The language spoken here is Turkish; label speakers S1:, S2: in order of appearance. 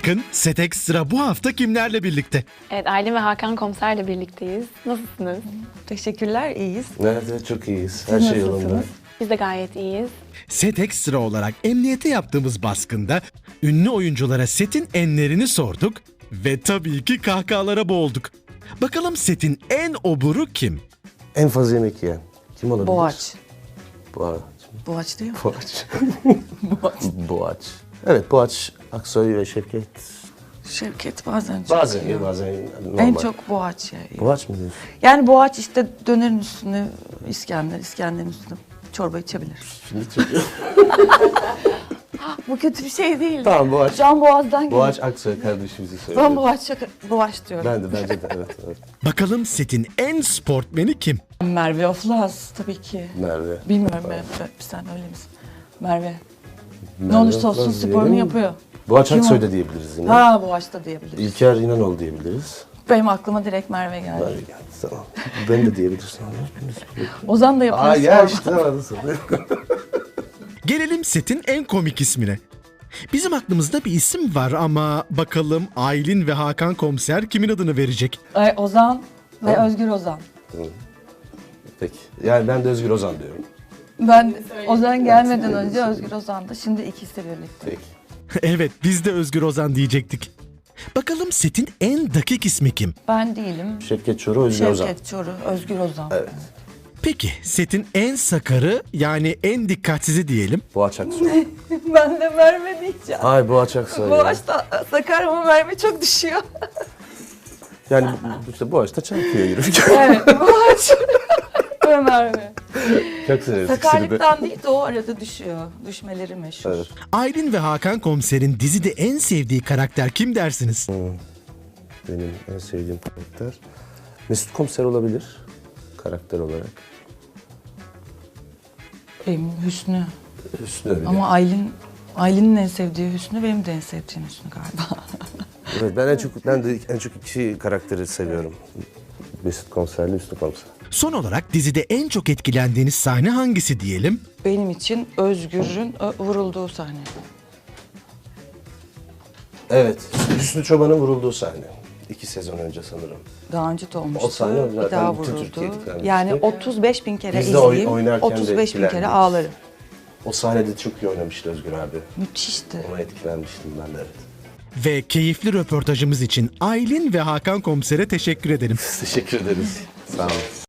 S1: Bakın Set Extra bu hafta kimlerle birlikte?
S2: Evet, Aylin ve Hakan Komiser'le birlikteyiz. Nasılsınız?
S3: Teşekkürler, iyiyiz.
S4: Nerede? Çok iyiyiz. Her şey yolunda.
S3: nasılsınız?
S2: Biz de gayet iyiyiz.
S1: Set Extra olarak emniyete yaptığımız baskında ünlü oyunculara setin enlerini sorduk ve tabii ki kahkahalara boğulduk. Bakalım setin en oburu kim?
S4: En fazla yemek yiyen. Kim olabilir?
S3: Boğaç.
S4: Boğaç.
S3: Boğaç değil mi?
S4: Boğaç.
S3: Boğaç.
S4: Boğaç. Evet, Boğaç, Aksoy ve Şevket.
S3: Şevket bazen çok
S4: Bazen
S3: yiyor.
S4: iyi, bazen normal.
S3: En çok Boğaç ya.
S4: Boğaç mı diyorsun?
S3: Yani Boğaç işte dönerin üstüne İskender, İskender'in üstüne çorba içebilir.
S4: Şimdi çok...
S3: Bu kötü bir şey değil.
S4: Tamam, Boğaç.
S3: Can Boğaz'dan geliyor.
S4: Boğaç Aksoy kardeşimizi söylüyor.
S3: Ben Boğaç diyorum.
S4: Ben de, bence de, evet.
S1: Bakalım setin en sportmeni kim?
S3: Merve Oflaz tabii ki.
S4: Merve.
S3: Bilmiyorum Merve, sen öyle misin? Merve. Ne
S4: Merve
S3: olursa olsun
S4: Oflaz
S3: sporunu
S4: diyelim.
S3: yapıyor.
S4: Boğaç
S3: Kim
S4: Aksoy
S3: o?
S4: da diyebiliriz yine.
S3: Ha Boğaç da diyebiliriz.
S4: İlker İnanoğlu diyebiliriz.
S3: Benim aklıma direkt Merve geldi.
S4: Merve geldi, tamam. Ben de diyebilirsin.
S3: Ozan da yapıyor.
S4: Aa ya
S3: spor.
S4: işte anladın.
S1: Gelelim setin en komik ismine. Bizim aklımızda bir isim var ama bakalım Aylin ve Hakan Komiser kimin adını verecek?
S3: Ay, Ozan ve
S4: Tamam.
S3: Özgür Ozan.
S4: Peki. Yani ben de Özgür Ozan diyorum.
S3: Ben Ozan gelmeden önce Özgür Ozan'dı. Şimdi ikisi birlikte.
S4: Peki.
S1: Evet, biz de Özgür Ozan diyecektik. Bakalım setin en dakik ismi kim?
S3: Ben değilim.
S4: Şevket Çoruh, Özgür Ozan.
S3: Şevket Çoruh, Özgür Ozan.
S4: Evet.
S1: Peki setin en sakarı yani en dikkatsizi diyelim.
S4: Boğaç Aksoy.
S3: Ben de Merve diyeceğim.
S4: Ay Boğaç Aksoy. ya.
S3: Boğaç da sakar ama Merve çok düşüyor.
S4: Yani işte Boğaç'ta çarpıyor yürürken.
S3: Evet, Boğaç ve Merve.
S4: Çok severiz ikisini de.
S3: Sakarlıktan değil de o arada düşüyor. Düşmeleri meşhur.
S4: Evet.
S1: Aylin ve Hakan Komiser'in dizide en sevdiği karakter kim dersiniz?
S4: Benim en sevdiğim karakter Mesut Komiser olabilir. Karakter olarak.
S3: Benim Hüsnü.
S4: Hüsnü öyle.
S3: Ama Aylin'in en sevdiği Hüsnü, benim de en sevdiğim Hüsnü galiba.
S4: Evet, ben de en çok iki karakteri seviyorum. Mesut Komiser'le Hüsnü Komiser.
S1: Son olarak dizide en çok etkilendiğiniz sahne hangisi diyelim?
S3: Benim için Özgür'ün vurulduğu sahne.
S4: Evet, Hüsnü Çoban'ın vurulduğu sahne. 2 sezon önce sanırım.
S3: Daha önce de olmuştu.
S4: O sahne
S3: bir
S4: zaten
S3: daha
S4: bütün
S3: vuruldu.
S4: Türkiye etkilenmişti.
S3: Yani 35 bin kere
S4: Biz de
S3: izleyeyim,
S4: oynarken de
S3: 35 bin kere
S4: etkilendik.
S3: ağlarım.
S4: O sahnede çok iyi oynamıştı Özgür abi.
S3: Müthişti.
S4: Ona etkilenmiştim ben de, evet.
S1: Ve keyifli röportajımız için Aylin ve Hakan Komiser'e teşekkür ederim.
S4: Teşekkür ederiz. Sağ olun.